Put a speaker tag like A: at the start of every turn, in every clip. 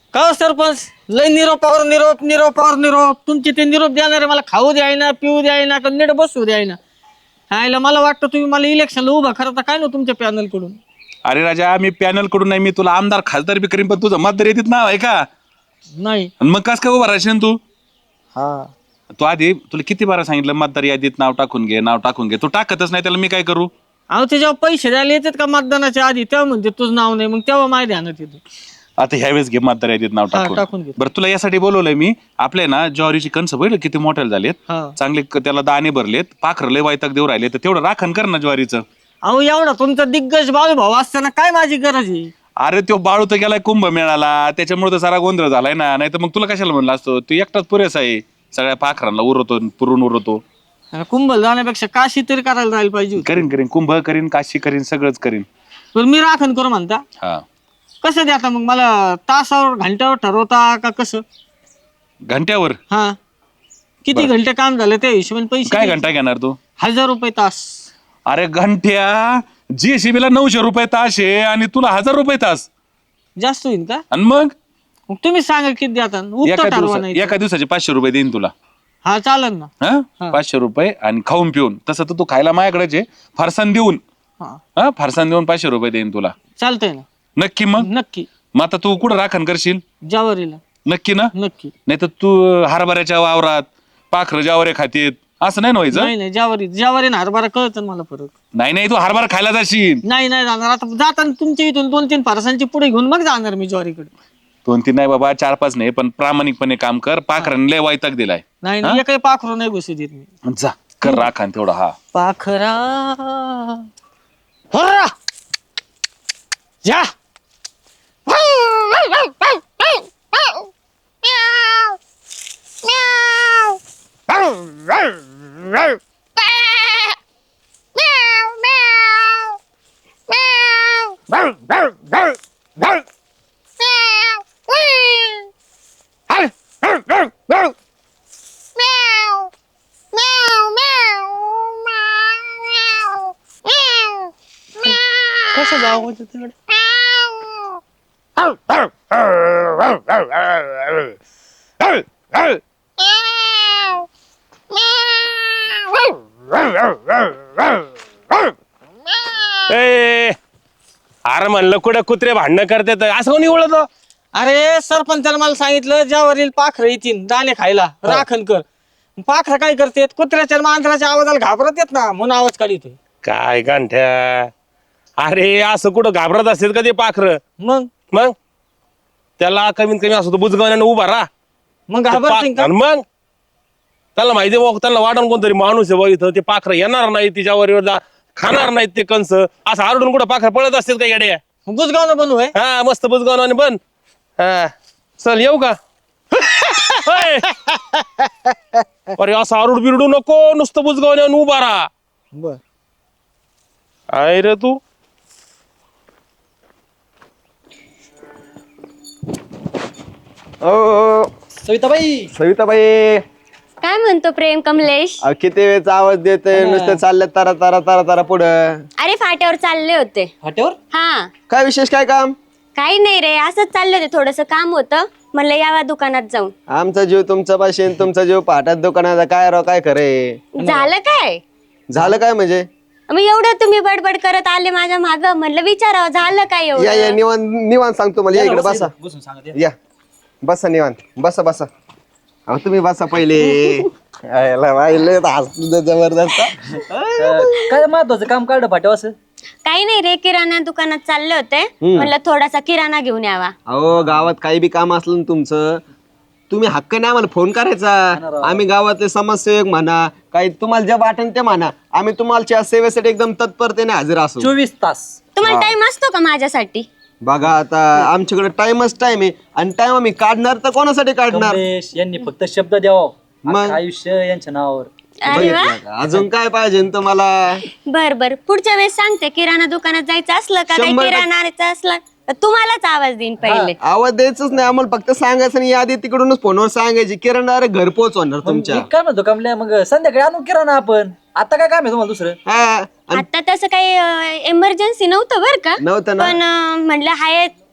A: का सरपंच लय निरोपावर निरोप निरोपावर निरोप तुमचे ते निरोप देणारे मला खाऊ द्यायना पिऊ द्यायना का नीट बसू द्यायना. हायला मला वाटतं तुम्ही मला इलेक्शनला उभा करता काय ना तुमच्या पॅनल कडून.
B: अरे राजा मी पॅनल कडून नाही, मी तुला आमदार खासदार बी करीन, पण तुझं मतदार येतात नाव आहे का?
A: नाही.
B: आणि मग कस काय उभा राहशील तू?
A: हा
B: तू आधी तुला किती बारा सांगितलं मतदार यादीत नाव टाकून घे, नाव टाकून घे. तू टाकतच नाही, त्याला मी काय करू?
A: अहो ते जेव्हा पैसे द्यायला येतात का मतदानाच्या आधी तेव्हा म्हणते तुझं नाव नाही, मग तेव्हा माझ्या ध्यानात येतं.
B: आता ह्यावेळेस घे मतदार यादीत नाव
A: टाकून
B: टाकून.
A: घे.
B: बरं तुला यासाठी बोलवलंय मी. आपले ना ज्वारीची कणसं बघितलं किती मोठ्याला झालेत,
A: हा.
B: चांगले त्याला दाणे भरलेत, पाखरं लय वायताक देऊ राहिले, तर तेवढं राखण कर ना ज्वारीचं.
A: अहो एवढा तुमचा दिग्गज बाळूभाऊ असताना काय माझी गरज आहे?
B: अरे तो बाळू तर गेलाय कुंभ मेळाला, त्याच्यामुळे तर सारा गोंधळ झालाय ना. नाही तर मग तुला कशाला म्हणलं असतो, तू एकटाच पुरेसा आहे, सगळ्या पाखरांना उरवतो, पुरून उरवतो.
A: कुंभ जाण्यापेक्षा काशी तरी करायला जायला पाहिजे होती.
B: करीन करीन, कुंभ करीन, काशी करीन, सगळंच करीन.
A: पण मी राखण करू म्हणता.
B: हा
A: कसं द्या आता मग मला तासावर घंट्यावर ठरवता का कसं?
B: घंट्यावर
A: हा किती घंटे काम झालं त्या हिशोबाने पैसे
B: काय
A: द्यायचे.
B: घंटा घेणार तू?
A: 1000 रुपये तास.
B: अरे घंट्या जीएसबी ला 900 रुपये तास आहे आणि तुला 1000 रुपये तास
A: जास्त होईल का?
B: आणि मग
A: मग तुम्ही सांगा किती द्याता उत्तर ठरवा नाही.
B: एका दिवसाचे 500 रुपये देईन तुला.
A: हा चालेल ना.
B: हा 500 रुपये आणि खाऊन पिऊन. तसं तर तू खायला माझ्याकडेच आहे, फरसाण देऊन.
A: हा
B: हा फरसाण देऊन 500 रुपये देईन तुला.
A: चालतंय ना.
B: नक्की? मग
A: नक्की.
B: मग आता तू कुठं राखण करशील?
A: ज्वारीला.
B: नक्की ना?
A: नक्की.
B: नाही तर तू हरभऱ्याच्या वावरात पाखरं ज्वारे खातेत असं नाही ना व्हायचं.
A: नाही नाही ज्वारी ना हरभरा कळतं मला फरक.
B: नाही नाही, तू हरभरा खायला जाशील.
A: नाही नाही जाणार आता जाताना तुमच्या इथून 2-3 फरसांची पुढे घेऊन मग जाणार मी ज्वारीकडे.
B: 2-3 नाही बाबा, 4-5 नाही, पण प्रामाणिकपणे काम कर. पाखरांनी लय वायताक दिलाय.
A: नाही नाही काही पाखरू नाही घुसू देत मी.
B: जा कर राखण तेवढा. हा
A: पाखरा होर्रा जा. कसं जावं तिकडे?
C: अरे म्हणलं कुठे कुत्रे भांडणं करतात असं कोणी ओळखतो?
A: अरे सरपंचाने मला सांगितलं ज्यावरील पाखरं येतील दाणे खायला राखण कर. पाखरं काय करतेत कुत्र्याच्या मांजराच्या आवाजाला घाबरत येत ना म्हणून आवाज काढितोय.
C: काय गांठ्या, अरे असं कुठं घाबरत असतात का ते पाखरं? मग त्याला कमीत कमी असं बुजगावण्यानं उभा राहा.
A: मग घाबरतील का?
C: आणि मग त्याला माहिती आहे त्यांना वाटण कोणतरी माणूस आहे बघ इथं, ते पाखरं येणार नाही तिच्यावर खाणार नाहीत ते कंस. असं आरडून कुठं पाखरं पळत असतात का येड्या?
A: बुजगावनं बनू आहे.
C: हा मस्त बुजगावण्याने बन. हा चल येऊ का? होय. अरे असं आरुड बिरडू नको, नुसतं बुजगावण्यानं उभा राहा.
A: बर
C: आहे रे तू.
D: ओ सविताबाई
E: काय म्हणतो प्रेम कमलेश?
D: किती वेळचा आवाज देते नुसतं चालले तारा तारा तारा तारा पुढं.
E: अरे फाट्यावर चालले होते.
A: फाट्यावर?
E: हा
D: काय विशेष काय काम?
E: काही नाही रे, असंच चालले होते, थोडस काम होतं म्हणलं यावा दुकानात जाऊन.
D: आमचा जीव तुमचा पाशी तुमचा जीव पहाटात दुकानाचा काय राव काय खरे.
E: झालं काय?
D: झालं काय म्हणजे?
E: मग एवढं तुम्ही बडबड करत आले माझ्या माग, म्हणलं विचारावं झालं काय
D: या
E: एवढं.
D: निवांत निवांत सांगतो मला. या इकडे बसा. या बसा निवांत बसा बसा. अहो तुम्ही बसा पहिले. जबरदस्त.
A: काय महत्वाचं काम काढलं फाट्यावर असं?
E: काही नाही रे, किराणा दुकानात चालले होते, म्हणलं थोडासा किराणा घेऊन यावा.
D: अहो गावात काही बी काम असलं ना तुमचं, तुम्ही हक्क नाही आम्हाला फोन करायचा. आम्ही गावातले समाजसेवक म्हणा, काही तुम्हाला जे वाटेल ते म्हणा, आम्ही तुम्हाला सेवेसाठी एकदम तत्परतेने हजर असू.
A: 24 तास.
E: तुम्हाला टाइम असतो का माझ्यासाठी?
D: बघा आता आमच्याकडे टाइमच टाइम आहे आणि टाइम आम्ही काढणार तर कोणासाठी काढणार?
A: यांनी फक्त शब्द द्यावा,
D: मग
A: आयुष्य यांच्या नावावर.
E: अरे वा,
D: बघितलं का? अजून काय पाहिजे न तुम्हाला?
E: बर बर, पुढच्या वेळेस सांगते किराणा दुकानात जायचं असलं का, काही
D: 100%
E: किराणा आणायचं असलं तर तुम्हालाच आवाज देईन पहिले.
D: आवाज द्यायचंच नाही आम्हाला, फक्त सांगायचं आणि यादी तिकडूनच फोनवर सांगायची. किराणा अरे घर पोच होणार तुमच्या.
A: काय म्हणतो कमल्या, मग संध्याकाळी आणू किराणा आपण. आता काय काम आहे तुम्हाला दुसरं?
D: हा
E: आता तसं काही इमर्जन्सी नव्हतं बर का,
D: नव्हतं ना.
E: पण म्हणलं हाय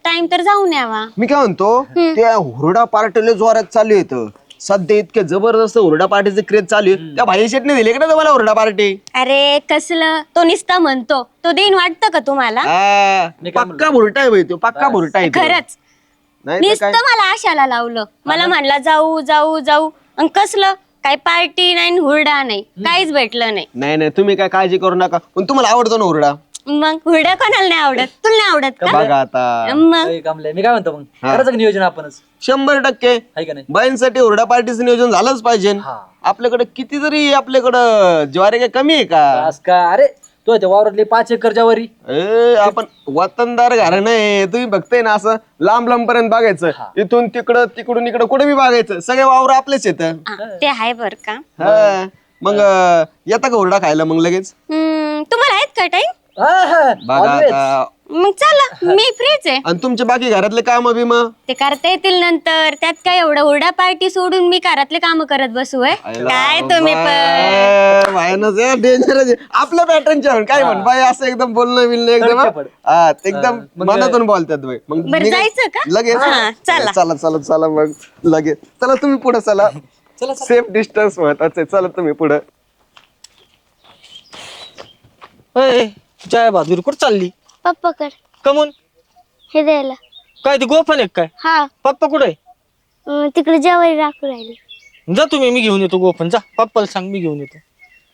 E: टाइम तर जाऊन यावा.
D: मी काय म्हणतो त्या हुरडा पार्टीला जोरात चालू येतं सध्या. इतके जबरदस्त हुरडा पार्टीचे क्रेज चालू आहे. त्या भाई शेटने दिले का ना तुम्हाला हुरडा पार्टी?
E: अरे कसलं, तो निस्ता म्हणतो, तो देईन वाटतं का तुम्हाला?
D: पक्का भुरटा आहे भाई तो, पक्का भुरटा आहे तो.
E: खरंच
D: नाही तर
E: नुसतं
D: काय
E: मला आशाला लावलं. मला म्हणला जाऊ जाऊ जाऊ, आणि कसलं काय पार्टी नाही हुरडा नाही, काहीच भेटलं नाही.
D: नाही नाही तुम्ही काय काळजी करू नका. पण तुम्हाला आवडतो ना हुरडा?
E: मग हुरडा कोणाला नाही आवडत? तुला नाही आवडत का?
D: बघा आता
E: मग
A: कमले मी काय म्हणतो मग करायचं का नियोजन आपणच
D: 100%
A: आहे का नाही?
D: बाईंसाठी हुरडा पार्टीचं नियोजन झालंच पाहिजे. आपल्याकडे किती जरी आपल्याकडं ज्वारी काय कमी आहे का?
A: आज का अरे तो त्या वावरातली 5 एकर ज्वारी
D: आपण वतनदार घराणं आहे. तुम्ही बघताय ना असं लांब लांब पर्यंत बघायचं. इथून तिकडं तिकडून इकडं कुठे बी बघायचं. सगळे वावर आपलेच येत.
E: ते आहे बर का.
D: मग येता का हुरडा खायला मग लगेच?
E: तुम्हाला आहेत का टाइम?
D: बघा आता.
E: मग चला, मी फ्रीच आहे.
D: आणि तुमचे बाकी घरातले काम बिम?
E: ते करता येतील नंतर. त्यात काय एवढं हुरडा पार्टी सोडून मी घरातले काम करत बसू आहे? काय तुम्ही पण
D: डेंजर आपल्या पॅटर्नच्या काय म्हण बाई असं एकदम बोलणं बिलणं एकदम मनातून बोलतात बाई. मग
E: बरं, जायचं का?
D: लगेच
E: हा, चला.
D: चला चला चला मग लगेच चला तुम्ही पुढे चला. सेफ डिस्टन्स महत्वाचं आहे. चला तुम्ही पुढे.
A: जय बहादूर कुठं चालली?
F: पप्पाकड
A: कमून
F: हे द्यायला.
A: काय ते गोफन एक काय?
F: हा
A: पप्पा कुठे आहे?
F: तिकडे जेवायला राखू राहिले.
A: जा तुम्ही, मी घेऊन येतो गोफन. जा पप्पाला सांग मी घेऊन येतो.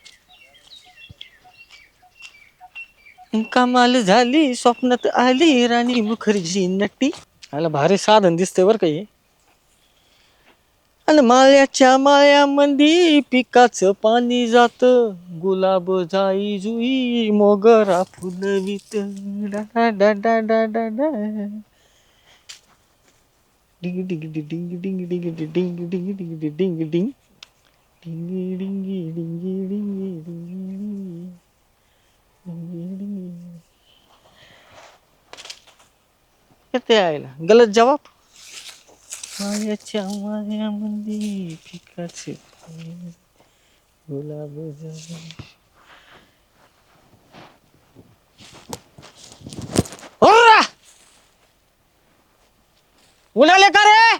A: कमाल झाली स्वप्नात आली राणी मुखर्जी नट्टी. आला भारी साधन दिसतंय बरं का हे. आणि माळ्याच्या माळ्यामंदी पिकाचं पाणी जात, गुलाब जाई जुई मोगरा फुलवीत. डा डा डा डा डा डा. डिंग डिंग डिंग डिंग डिंग डिंग डिंग डिंग डिंग डिंग डिंग डिंग डिंग डिंग डिंग डिंग. किती आयला गलत जवाब. मायाच्या मायामंदी पिकाचे गुलाब उलाले का रे?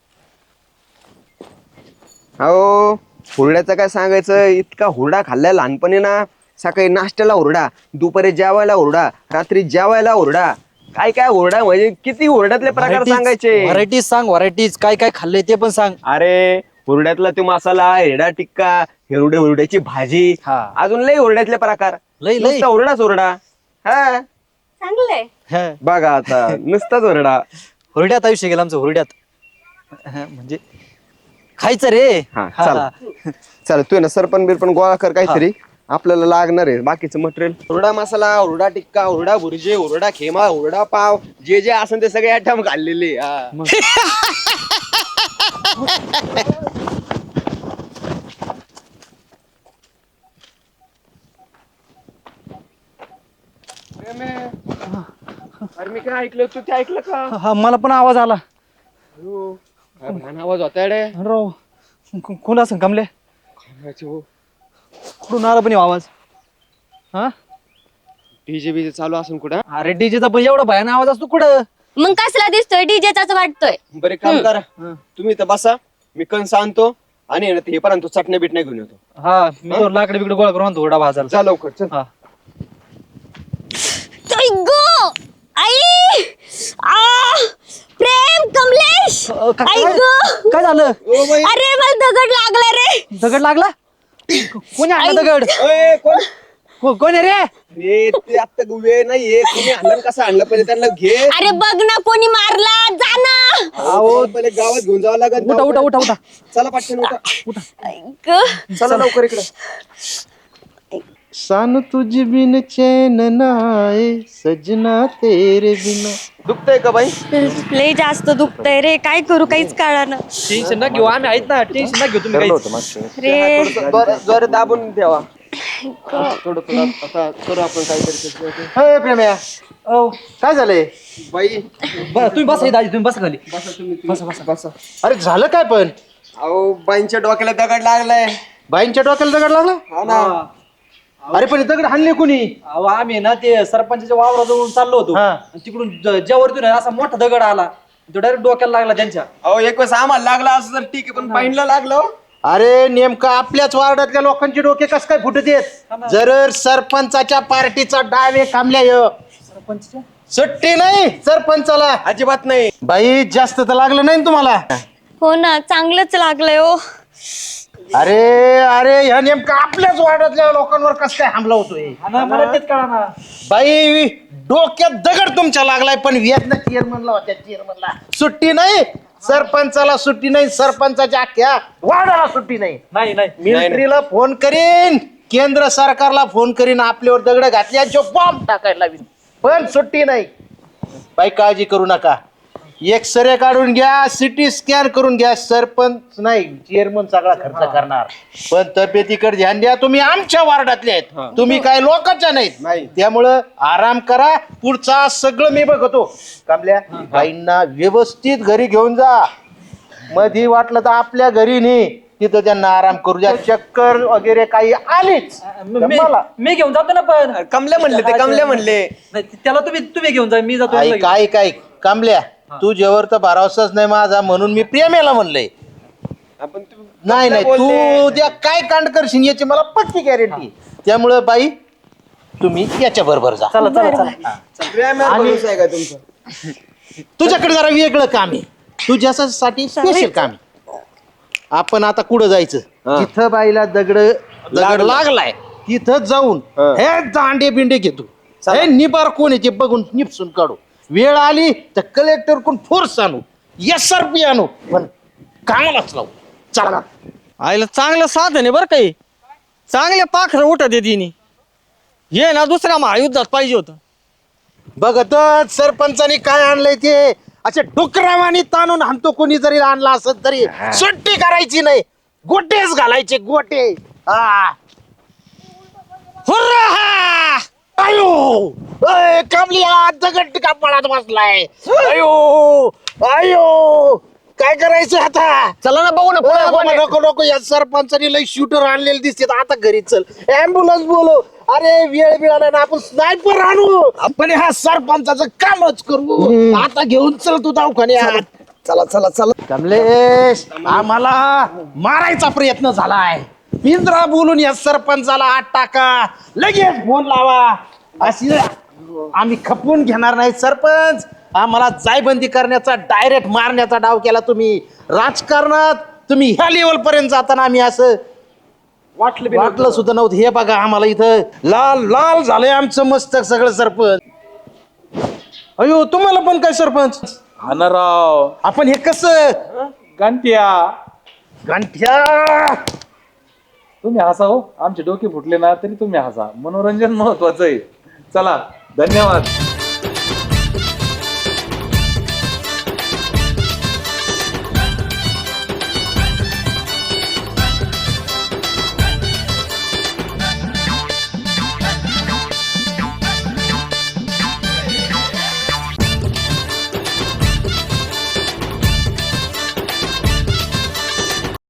D: हो हुरड्याचं काय सांगायचं. इतका हुरडा खाल्लाय लहानपणी ना. सकाळी नाश्त्याला हुरडा, दुपारी जेवायला हुरडा, रात्री जेवायला हुरडा. काय काय हुरडा म्हणजे किती हुरड्यातले प्रकार सांगायचे.
G: व्हरायटीज सांग, व्हरायटीज काय काय खाल्लंय ते पण सांग.
D: अरे हुरड्यातला तो मसाला, हिरडा टिक्का, हुरड्याची भाजी, अजून लय हुरड्यातले प्रकार.
G: लय
D: नुसता हुरडाच हुरडा. हा
E: चांगलंय.
D: बघा आता नुसताच हुरडा.
G: हुरड्यात आयुष्य गेलं आमचं, हुरड्यात. म्हणजे खायचं रे.
D: हा चला चला तू ना सरपण बिरपण गोळा कर काहीतरी. आपल्याला लागणार आहे बाकीचं मटेरियल. हुरडा मसाला, हुरडा टिक्का, हुरडा भुर्जी, हुरडा खेमा, हुरडा पाव, जे जे असेल ते सगळे आयटम खाल्लेले. अरे मी काय ऐकलं, तू ते ऐकलं का?
G: हा मला पण आवाज आला.
D: काय भयान आवाज होता रे.
G: राव कोण असं कमले? कुठून आला पण ह्यो आवाज? हा
D: डीजे बीजे चालू असून कुठं?
G: अरे डीजेचा पण एवढा भयान आवाज असतो कुठं?
E: मग कसला दिसतोय? डीजेचाच वाटतोय.
D: बरे काम करा, तुम्ही इथं बसा, मी कणस आणतो आणि हे पर्यंत तू चटण्या बिटण्या घेऊन येतो.
G: हा मी तो लाकडे बिकडे गोळा करून थोडा भाजायला.
D: जा लवकर चल.
G: हा
E: आई गो, आई, प्रेम, कमलेश, आई गो.
G: काय झालं?
E: अरे मला दगड लागला रे.
G: दगड लागला? कोणी आणला दगड? कोण आहे रे?
D: ते आता वेळ नाहीये. तुम्ही आणलं कसं आणलं पहिले त्यांना घे.
E: अरे बघ ना, कोणी मारला. जा ना.
D: पहिले गावात घेऊन जावं लागेल.
G: उठा उठा उठा उठा.
D: चला पटकन उठा.
E: आई गो.
D: चला लवकर इकडे.
G: सान तुझ बिन चैन नाए सजना तेरे बिना.
D: दुखतंय का बाई?
E: लय जास्त दुखतंय रे. काय करू काहीच कळालं.
G: टेन्शन ना घेऊ, आम्ही आहेत ना. टेन्शन ना घेऊ तुम्ही काहीच.
E: रे
D: जोरात दाबून ठेवा. थोडं थोडं आता करू आपण काहीतरी.
G: हे प्रेम्या, काय झालंय?
D: बाई
G: तुम्ही बसा दाजी, तुम्ही बसा खाली.
D: बसा बसा बसा.
G: अरे झालं काय पण?
D: अहो बाईंच्या डोक्याला दगड लागलाय.
G: बाईंच्या डोक्याला दगड लागला?
D: हा ना.
G: अरे पण दगड हाणले कुणी?
H: अहो आम्ही ना ते सरपंचाच्या वावराजवळून चाललो होतो
G: हा.
H: आणि तिकडून ज्यावरतून असा मोठा दगड आला तो डायरेक्ट डोक्याला लागला त्यांच्या.
D: अहो एक वेळेस आम्हाला लागला असं तर ठीक आहे पण पाहिलं लागलं हो.
G: अरे नेमकं आपल्याच वार्डातल्या लोकांचे डोके कस काय फुटत येत? जर सरपंचाच्या पार्टीचा डाव आहे कामल्या ह्यो.
H: सरपंचच्या
G: सुट्टी नाही सरपंचाला.
D: अजिबात नाही.
G: बाई जास्त तर लागलं नाही ना तुम्हाला?
E: हो ना, चांगलंच लागलंय हो.
G: अरे अरे ह्या नेमकं आपल्याच वार्डातल्या लोकांवर कस काय हमला होतोय?
H: मला तेच कळा ना.
G: बाई डोक्यात दगड तुमच्या लागलाय पण व्याजना चेअरमनला होत्या. चेअरमनला सुट्टी नाही, सरपंचाला सुट्टी नाही, सरपंचाच्या अख्ख्या वार्डाला सुट्टी नाही.
H: नाही नाही
G: मिलिटरीला फोन करीन, केंद्र सरकारला फोन करीन, आपल्यावर दगड घातल्याचे बॉम्ब टाकायला लावीन, पण सुट्टी नाही. बाई काळजी करू नका, एक्सरे काढून घ्या, सिटी स्कॅन करून घ्या. सरपंच नाही चेअरमन सगळा खर्च करणार, पण तब्येतीकडे ध्यान द्या. तुम्ही आमच्या वार्डातले आहेत, तुम्ही काय लोकांच्या नाहीत. त्यामुळं आराम करा, पुढचा सगळं मी बघतो. कामल्या बाईंना व्यवस्थित घरी घेऊन जा. मधी वाटलं तर आपल्या घरी नाही, तिथं त्यांना आराम करू द्या. चक्कर वगैरे काही आलीच मला
H: मी घेऊन जातो ना. पण
D: कमले म्हणले ते कमले म्हणले.
H: नाही, त्याला तुम्ही घेऊन जा, मी जातो.
G: काय कामल्या तू जेवर तर भरावसाच नाही माझा, म्हणून मी प्रेमेला म्हणलंय.
D: आपण
G: नाही नाही तू त्या काय कांड करशील याची मला पक्की गॅरंटी. त्यामुळं बाई तुम्ही याच्या बरोबर जा.
H: चला चला चला.
D: आहे का तुमचं?
G: तुझ्याकडे जरा वेगळं काम आहे, तुझ्यासाठी स्पेशल काम आहे. आपण आता कुठं जायचं? तिथं बाईला दगड लागलाय तिथं जाऊन हे दांडे बिंडे घेतो, हे निबार कोण आहे ते बघून निपसून काढू. वेळ आली तर कलेक्टर कोण फोर्स आणू, SRP आणू, पण कामालाच लावू. चला.
A: आईला चांगलं साधन आहे बरं काही, चांगले पाखरं उठत आहे तिने. हे ना दुसऱ्या महायुद्धात पाहिजे होतं.
G: बघतच सरपंचानी काय आणलंय ते, असे डुकरावानी ताणून हाणतो. कोणी जरी आणला असत तरी सुट्टी करायची नाही, गोटेच घालायचे गोटे. हा हुर्रा! अयो अय, कामल्या दगड कापडात बसलाय. अयो अयो काय करायचं आता?
A: चला ना बघू ना पुढे कोण आहे.
G: नको नको, या सरपंचानी लई शूटर आणलेले दिसते. आता घरी चल, ऍम्ब्युलन्स बोलो. अरे वेळ मिळाला ना, आपण स्नायपर आणू, आपण हा सरपंचाचं कामच करू. आता घेऊन चल तू दवाखान्यात.
D: चला चला चला.
G: कमलेश आम्हाला मारायचा प्रयत्न झालाय. पिंजरा बोलून या सरपंचाला आत टाका, लगेच फोन लावा. अशी आम्ही खपवून घेणार नाही. सरपंच आम्हाला जायबंदी करण्याचा, डायरेक्ट मारण्याचा डाव केला तुम्ही. राजकारणात तुम्ही ह्या लेवल पर्यंत जाताना आम्ही असं वाटलं सुद्धा नव्हतं. हे बघा आम्हाला इथं लाल लाल झालंय आमचं मस्तक सगळं. सरपंच अयो तुम्हाला पण काय सरपंच?
B: राव
G: आपण हे कसं
B: गांठ्या
G: गांठ्या
B: तुम्ही हसा हो, आमचे डोके फुटले ना तरी तुम्ही हसा. मनोरंजन महत्वाचं आहे. चला धन्यवाद.